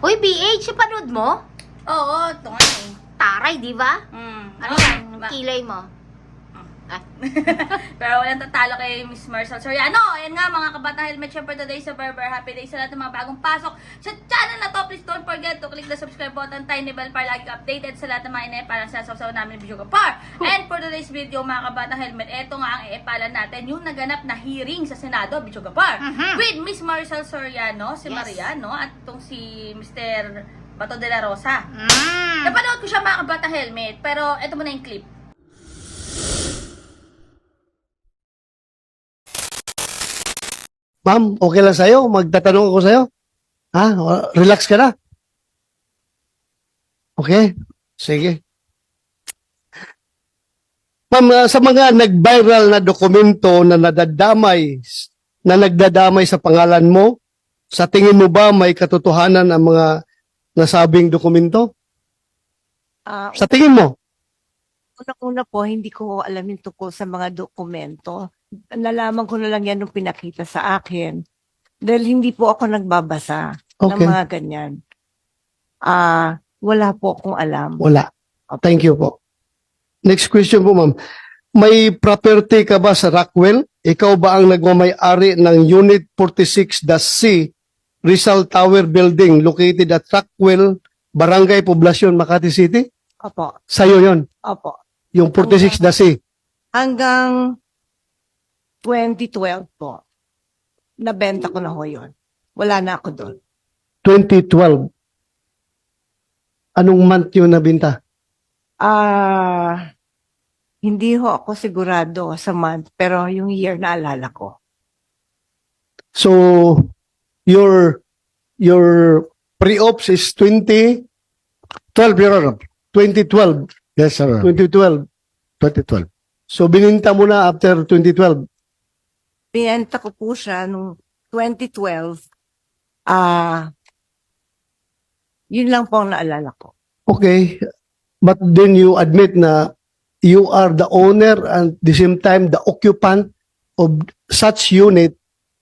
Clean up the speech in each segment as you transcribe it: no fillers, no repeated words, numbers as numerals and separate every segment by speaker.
Speaker 1: Uy, BH, panood mo?
Speaker 2: Oo, ito nga eh.
Speaker 1: Taray, di ba? Ano yan?
Speaker 2: Diba?
Speaker 1: Kilay mo? Ah.
Speaker 2: Pero walang tatalo kay Miss Marcel Soriano. Ayan nga mga kabatang helmet. Syempre today sa Berber. Happy day sa lahat ng mga bagong pasok sa channel na to. Please don't forget to click the subscribe button, tiny bell para lagi updated sa lahat ng mga inay para sa sasaw namin video kapar. And for today's video mga kabatang helmet, eto nga ang iipalan natin yung naganap na hearing sa Senado, video kapar. With Miss Marcel Soriano, si
Speaker 1: Yes.
Speaker 2: Mariano, at itong si Mr. Bato de la Rosa.
Speaker 1: Mm.
Speaker 2: Napanood ko siya mga kabatang helmet, pero eto muna yung clip.
Speaker 3: Ma'am, okay lang sa'yo? Magtatanong ako sa'yo? Ha? Relax ka na? Okay? Sige. Ma'am, sa mga nag-viral na dokumento na nagdadamay sa pangalan mo, sa tingin mo ba may katotohanan ang mga nasabing dokumento? Sa tingin mo?
Speaker 4: Una-una po, hindi ko alam yung tungkol sa mga dokumento. Nalaman ko na lang yan nung pinakita sa akin. Dahil hindi po ako nagbabasa ng
Speaker 3: Okay.
Speaker 4: mga ganyan. Wala po akong alam.
Speaker 3: Wala. Thank you po. Next question po, ma'am. May property ka ba sa Rockwell? Ikaw ba ang nagmamay-ari ng Unit 46-C Rizal Tower Building located at Rockwell, Barangay Poblacion, Makati City?
Speaker 4: Opo.
Speaker 3: Sa'yo yon,
Speaker 4: Opo.
Speaker 3: yung 46-C.
Speaker 4: Hanggang 2012 po, nabenta ko na ho yun. Wala na ako doon.
Speaker 3: 2012. Anong month yun nabinta?
Speaker 4: Hindi ho ako sigurado sa month, pero yung year naalala ko.
Speaker 3: So, your pre-ops is 2012, Your Honor. 2012.
Speaker 5: Yes, sir.
Speaker 3: 2012.
Speaker 5: 2012.
Speaker 3: So, bininta mo na after 2012.
Speaker 4: Binenta ko po siya nung 2012. Yun lang po ang naalala ko.
Speaker 3: Okay. But then you admit na you are the owner and at the same time the occupant of such unit,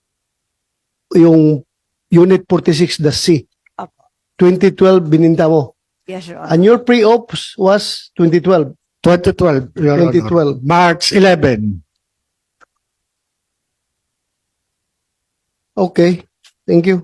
Speaker 3: yung Unit 46, the C.
Speaker 4: Apo.
Speaker 3: 2012, bininta mo.
Speaker 4: Yes, Your Honor.
Speaker 3: And your pre-ops was 2012.
Speaker 5: 2012, Your Honor.
Speaker 3: 2012.
Speaker 5: March 11.
Speaker 3: Okay. Thank you.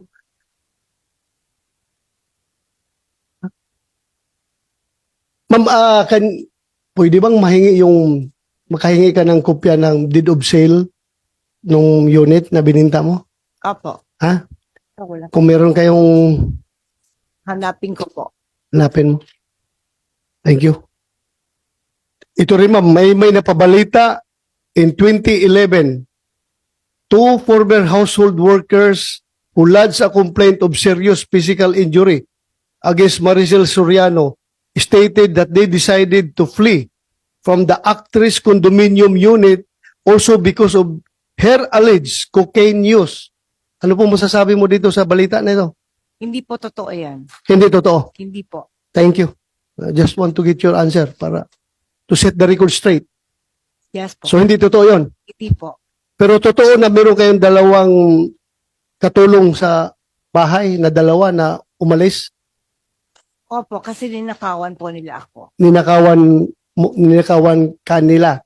Speaker 3: Ma'am, pwede bang makahingi ka ng kopya ng deed of sale nung unit na bininta mo?
Speaker 4: Opo.
Speaker 3: Ha?
Speaker 4: Wala.
Speaker 3: Kung meron kayong
Speaker 4: Hanapin ko po.
Speaker 3: hanapin mo. Thank you. Ito rin ma'am, may napabalita in 2011. Two former household workers who lodged a complaint of serious physical injury against Maricel Soriano stated that they decided to flee from the actress condominium unit also because of her alleged cocaine use. Ano po masasabi mo dito sa balita na ito?
Speaker 4: Hindi po totoo yan.
Speaker 3: Hindi totoo.
Speaker 4: Hindi po.
Speaker 3: Thank you. I just want to get your answer para to set the record straight.
Speaker 4: Yes po.
Speaker 3: So hindi totoo yon.
Speaker 4: Hindi po.
Speaker 3: Pero totoo na meron kayong dalawang katulong sa bahay na dalawa na umalis,
Speaker 4: Opo, kasi ninakawan po nila ako.
Speaker 3: ninakawan kanila.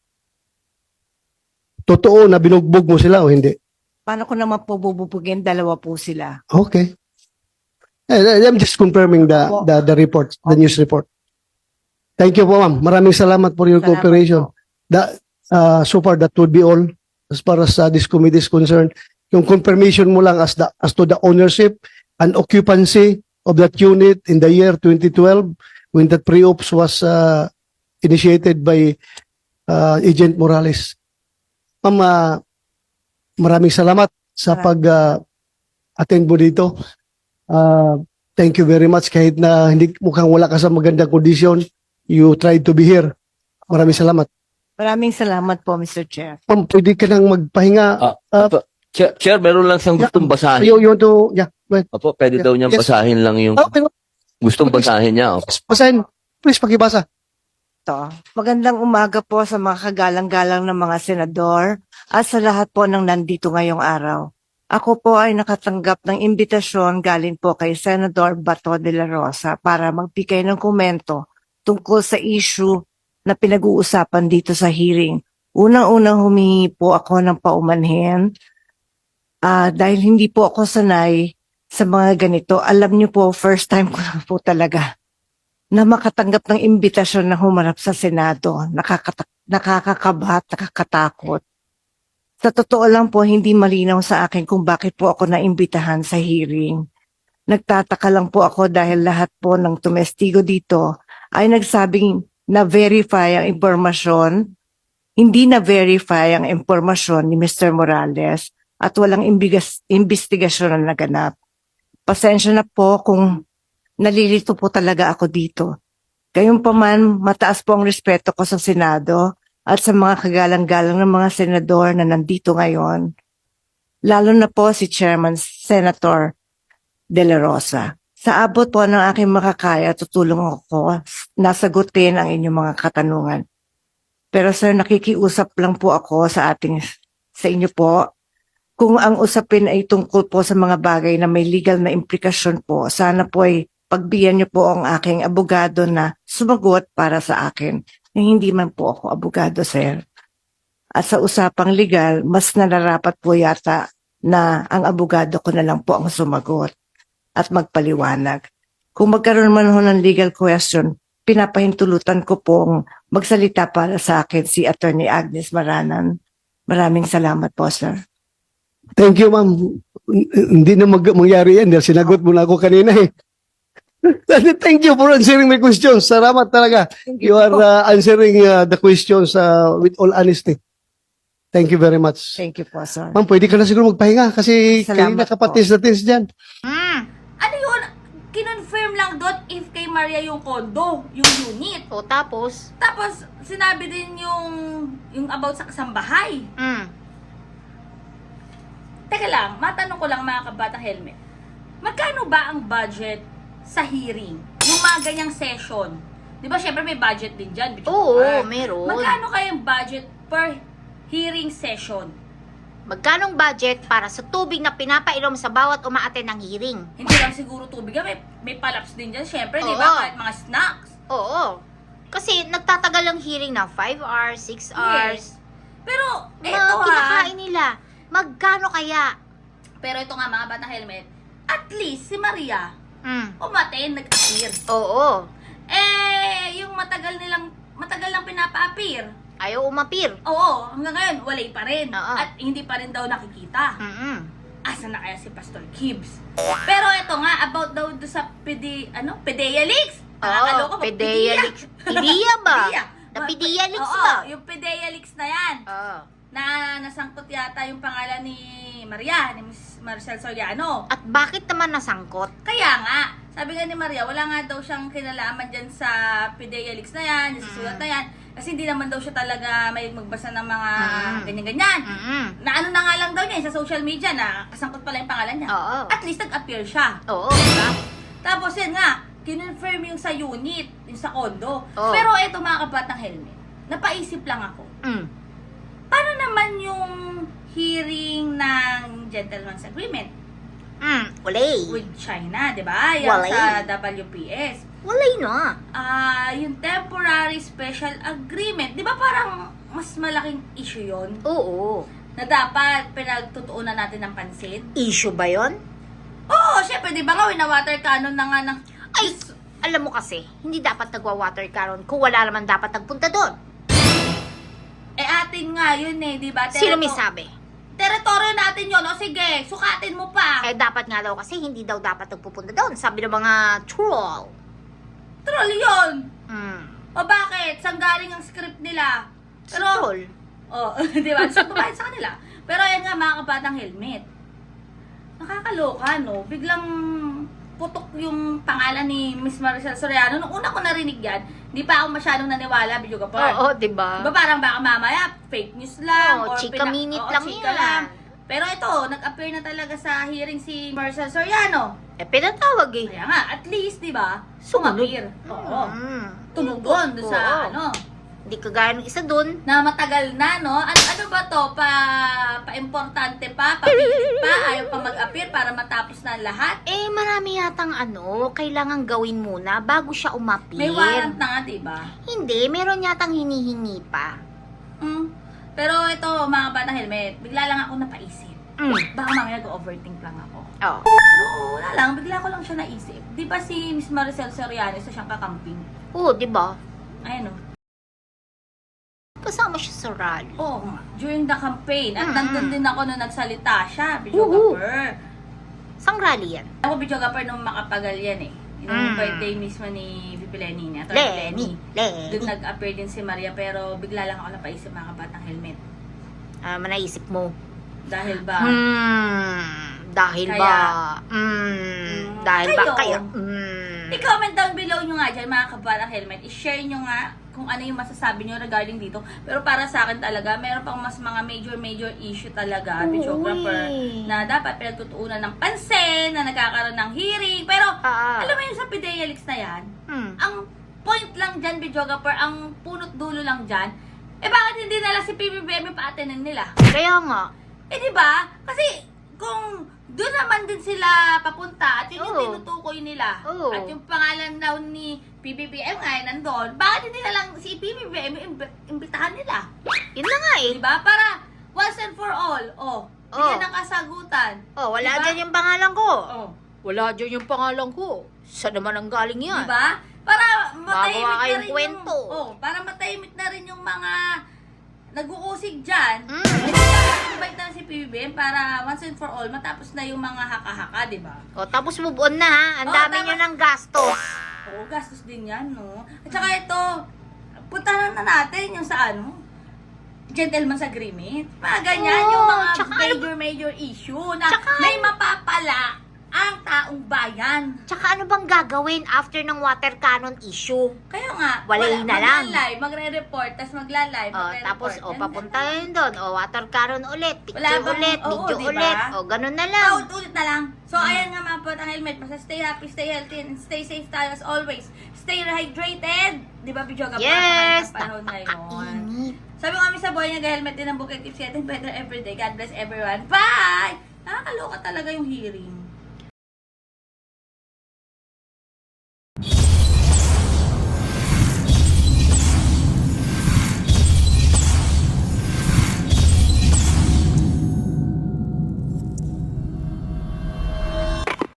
Speaker 3: Totoo na binugbog mo sila o hindi?
Speaker 4: Paano ko naman po bububugin? Dalawa po sila.
Speaker 3: Okay. I'm just confirming the report, the news report. Thank you po, ma'am. Maraming salamat for your
Speaker 4: Salamat
Speaker 3: cooperation.
Speaker 4: po.
Speaker 3: So far, that would be all as far as this committee is concerned. Yung confirmation mo lang as to the ownership and occupancy of that unit in the year 2012 when that pre-ops was initiated by Agent Morales. Ma'am, maraming salamat sa pag-attend mo dito. Thank you very much. Kahit na mukhang wala ka sa magandang kondisyon, you tried to be here. Maraming salamat.
Speaker 4: Maraming salamat po, Mr. Chair.
Speaker 3: Ma'am, pwede ka nang magpahinga.
Speaker 6: Chair, meron lang siyang gustong basahin.
Speaker 3: You want to, yeah, go ahead.
Speaker 6: Opo, pwede daw niyang
Speaker 3: Yes.
Speaker 6: basahin lang yung
Speaker 3: Okay,
Speaker 6: gustong basahin niya. Opo.
Speaker 3: basahin. Please, pakibasa.
Speaker 4: To. Magandang umaga po sa mga kagalang-galang ng mga senador at sa lahat po ng nandito ngayong araw. Ako po ay nakatanggap ng imbitasyon galing po kay Senador Bato de la Rosa para magbigay ng komento tungkol sa issue na pinag-uusapan dito sa hearing. Unang-unang humingi po ako ng paumanhin dahil hindi po ako sanay sa mga ganito. Alam niyo po, first time ko na po talaga na makatanggap ng imbitasyon na humarap sa Senado. Nakakakabahat, nakakatakot. Sa totoo lang po, hindi malinaw sa akin kung bakit po ako naimbitahan sa hearing. Nagtataka lang po ako dahil lahat po ng tumestigo dito ay nagsabing na-verify ang impormasyon, hindi na-verify ang impormasyon ni Mr. Morales at walang investigasyon na naganap. Pasensya na po kung nalilito po talaga ako dito. Gayunpaman, mataas po ang respeto ko sa Senado at sa mga kagalang-galang ng mga senador na nandito ngayon, lalo na po si Chairman Senator De La Rosa. Sa abot po ng aking makakaya, tutulong ako na sagutin ang inyong mga katanungan. Pero sir, nakikiusap lang po ako sa inyo po. Kung ang usapin ay tungkol po sa mga bagay na may legal na implikasyon po, sana po ay pagbigyan niyo po ang aking abogado na sumagot para sa akin. Hindi man po ako abogado, sir. At sa usapang legal, mas nararapat po yata na ang abogado ko na lang po ang sumagot at magpaliwanag. Kung magkaroon man ho ng legal question, pinapahintulutan ko pong magsalita para sa akin si Attorney Agnes Maranan. Maraming salamat po, sir.
Speaker 3: Thank you, ma'am. Hindi na mangyari yan dahil sinagot mo na ako kanina eh. Thank you for answering my questions. Salamat talaga. You are answering the questions with all honesty. Thank you very much.
Speaker 4: Thank you po, sir.
Speaker 3: Ma'am, pwede ka na siguro magpahinga kasi kayo
Speaker 4: Salamat
Speaker 3: nakapatis na tins dyan.
Speaker 2: Ano yun? Kinonfirm lang doon if kay Maria yung kondo, yung unit.
Speaker 1: O tapos?
Speaker 2: Tapos, sinabi din yung about sa kasambahay. Teka lang, matanong ko lang mga kabatang helmet. Magkano ba ang budget sa hearing? Yung mga ganyang session. Di ba, syempre may budget din dyan.
Speaker 1: Oo,
Speaker 2: Or,
Speaker 1: meron.
Speaker 2: magkano kayang budget per hearing session?
Speaker 1: Magkanong budget para sa tubig na pinapainom sa bawat umaattend ng hearing?
Speaker 2: Hindi lang siguro tubig, may palaps din dyan, syempre, di
Speaker 1: Oo.
Speaker 2: ba? Kahit mga snacks.
Speaker 1: Oo. Kasi nagtatagal ang hearing na 5 hours, 6 hours.
Speaker 2: Yes. Pero, eto
Speaker 1: Mga kinakain nila. Magkano kaya?
Speaker 2: Pero ito nga mga batang helmet, at least si Maria, umaten, nag-appear.
Speaker 1: Oo.
Speaker 2: Yung matagal lang pinapa-appear.
Speaker 1: Ayaw umapir.
Speaker 2: Oo, hanggang ngayon, walay pa rin.
Speaker 1: Oo.
Speaker 2: At hindi pa rin daw nakikita.
Speaker 1: Mm-mm.
Speaker 2: Asa na kaya si Pastor Gibbs? Pero ito nga, about daw sa Pedea Leaks. Nakakaloka ba?
Speaker 1: Pedea Leaks. Pedea ba?
Speaker 2: Pedea.
Speaker 1: Na Pedea Leaks
Speaker 2: Oo,
Speaker 1: ba?
Speaker 2: yung Pedea Leaks na yan.
Speaker 1: Oo.
Speaker 2: Na nasangkot yata yung pangalan ni Maria, ni Miss Maricel Soriano.
Speaker 1: At bakit naman nasangkot?
Speaker 2: Kaya nga, sabi nga ni Maria, wala nga daw siyang kinalaman dyan sa Pedea Leaks na yan, sa sulat na yan. Kasi hindi naman daw siya talaga may magbasa ng mga ganyan-ganyan. Na ano na nga lang daw niya sa social media na kasangkot pala yung pangalan niya.
Speaker 1: Oo.
Speaker 2: At least nag-appear siya.
Speaker 1: Oo, diba?
Speaker 2: Tapos yan nga, kinonfirm yung sa unit, yung sa condo.
Speaker 1: Oo.
Speaker 2: Pero eto mga kabatang helmet, napaisip lang ako. Paano naman yung hearing ng Gentleman's Agreement
Speaker 1: Walay.
Speaker 2: with China, di ba? Yung
Speaker 1: Walay.
Speaker 2: sa WPS.
Speaker 1: Walay na.
Speaker 2: Yung temporary special agreement, di ba parang mas malaking issue yon
Speaker 1: Oo.
Speaker 2: na dapat pinagtutuunan natin ng pansin?
Speaker 1: Issue ba yon?
Speaker 2: Oo, syempre, di ba nga, wina-water cannon na nga ng...
Speaker 1: Ay, alam mo kasi, hindi dapat nagwa-water cannon kung wala naman dapat nagpunta doon.
Speaker 2: atin nga yun eh, di ba?
Speaker 1: Sino may sabi?
Speaker 2: Teritoryo natin yun, o sige, sukatin mo pa.
Speaker 1: Dapat nga daw kasi hindi daw dapat nagpupunta doon. Sabi ng mga troll.
Speaker 2: Troll yun.
Speaker 1: Mm.
Speaker 2: O bakit? Saan galing ang script nila?
Speaker 1: Troll.
Speaker 2: Oh, di ba? So, tumahin sa kanila. Pero ayan nga, mga kabatang helmet. Nakakaloka, no? Biglang putok yung pangalan ni Miss Maricel Soriano. Nung una ko narinig yan, di pa ako masyadong naniwala, video ka pa.
Speaker 1: Oo, diba?
Speaker 2: Diba parang baka mamaya, fake news lang.
Speaker 1: Oo,
Speaker 2: or
Speaker 1: chika minute lang
Speaker 2: chika
Speaker 1: yan.
Speaker 2: lang. Pero ito, nag-appear na talaga sa hearing si Maricel Soriano.
Speaker 1: Pinatawag eh.
Speaker 2: Kaya nga, at least, di ba?
Speaker 1: Sumunod.
Speaker 2: Sumapir. Oo.
Speaker 1: Mm.
Speaker 2: Tumugon doon sa,
Speaker 1: Oo.
Speaker 2: ano,
Speaker 1: Hindi kagaya ng isa dun.
Speaker 2: Na matagal na, no? Ano ba to? Pa-importante pa? Pa-pilit pa? Ayaw pa mag-appear para matapos na ang lahat?
Speaker 1: Eh, marami yatang kailangan gawin muna bago siya umapir.
Speaker 2: May warrant na nga, diba?
Speaker 1: Hindi, meron yatang hinihingi pa.
Speaker 2: Pero ito, mga batang helmet, bigla lang ako napaisip. Baka mamaya nag-overthink lang ako.
Speaker 1: Oh.
Speaker 2: Pero wala lang, bigla ko lang siya naisip. Di ba si Miss Maricel Soriano, isa siyang kakamping?
Speaker 1: Oo, di ba?
Speaker 2: Ayun o.
Speaker 1: Kasama siya sa rally.
Speaker 2: Oo nga, during the campaign. At
Speaker 1: Mm-mm.
Speaker 2: nandun din ako nung nagsalita siya, videographer.
Speaker 1: Sang rally yan?
Speaker 2: Ako videographer nung makapagal yan eh. Yung
Speaker 1: Mm.
Speaker 2: birthday mismo ni VP Lenny, ni Atty.
Speaker 1: Lenny.
Speaker 2: Doon nag-appear din si Maria, pero bigla lang ako napaisip mga kabatang helmet.
Speaker 1: Manaisip mo.
Speaker 2: Dahil ba?
Speaker 1: Dahil
Speaker 2: Kaya-
Speaker 1: ba? Dahil ba
Speaker 2: Kayo.
Speaker 1: kaya?
Speaker 2: I-comment down below nyo nga dyan mga kabatang helmet. I-share nyo nga kung ano yung masasabi nyo regarding dito. Pero para sa akin talaga, meron pang mas mga major issue talaga, videographer, na dapat pinagtutuunan ng pansin, na nagkakaroon ng hearing. Pero, alam mo yun sa PIDEA Leaks na yan, ang point lang dyan, videographer, ang punot dulo lang dyan, bakit hindi nila si PBBM pa-attendin nila?
Speaker 1: Kaya nga.
Speaker 2: Di ba? Kasi, kung doon naman din sila papunta, at yun yung
Speaker 1: Oo.
Speaker 2: tinutukoy nila,
Speaker 1: Oo.
Speaker 2: at yung pangalan daw ni PBBM ay nandun, bakit hindi na lang si PBBM imbitahan nila?
Speaker 1: Yun na nga eh.
Speaker 2: Di ba? Para once and for all, bigyan ng kasagutan.
Speaker 1: Wala
Speaker 2: Diba?
Speaker 1: dyan yung pangalan ko.
Speaker 2: Oh.
Speaker 1: Wala dyan yung pangalan ko. Saan naman ang galing yan?
Speaker 2: Di ba? Para matahimik
Speaker 1: Magawa
Speaker 2: na
Speaker 1: kayong
Speaker 2: rin
Speaker 1: kwento.
Speaker 2: para matahimik na rin yung mga nag-uusig dyan. Invite na si PBBM para once and for all matapos na yung mga haka-haka, di ba?
Speaker 1: Tapos move on na ha. Ang dami
Speaker 2: tama.
Speaker 1: nyo ng gastos.
Speaker 2: Oo, gastos din yan, no? At saka ito, puntahan na natin yung sa gentleman's agreement. Mga ganyan, yung mga
Speaker 1: tsaka
Speaker 2: major issue na
Speaker 1: tsaka
Speaker 2: may mapapala ang taong bayan.
Speaker 1: Tsaka ano bang gagawin after ng water cannon issue?
Speaker 2: Kaya nga,
Speaker 1: Walay na lang.
Speaker 2: Magla-live, magre-report, tapos magla-live,
Speaker 1: Tapos,
Speaker 2: magre-report.
Speaker 1: papunta yun doon. Water cannon ulit. Picture
Speaker 2: Wala bang-
Speaker 1: ulit.
Speaker 2: oo,
Speaker 1: Video
Speaker 2: diba?
Speaker 1: ulit. Ganun na lang.
Speaker 2: Ulit na lang. So, ayan nga mga pot ang helmet. Basta stay happy, stay healthy, and stay safe tayo as always. Stay hydrated. Di ba, Bijoga?
Speaker 1: Yes!
Speaker 2: Panahon ngayon.
Speaker 1: Init.
Speaker 2: Sabi ko kami sa buhay niya, helmet din ang bukit. Keep getting better every day. God bless everyone. Bye! Nakakaloka talaga yung hearing.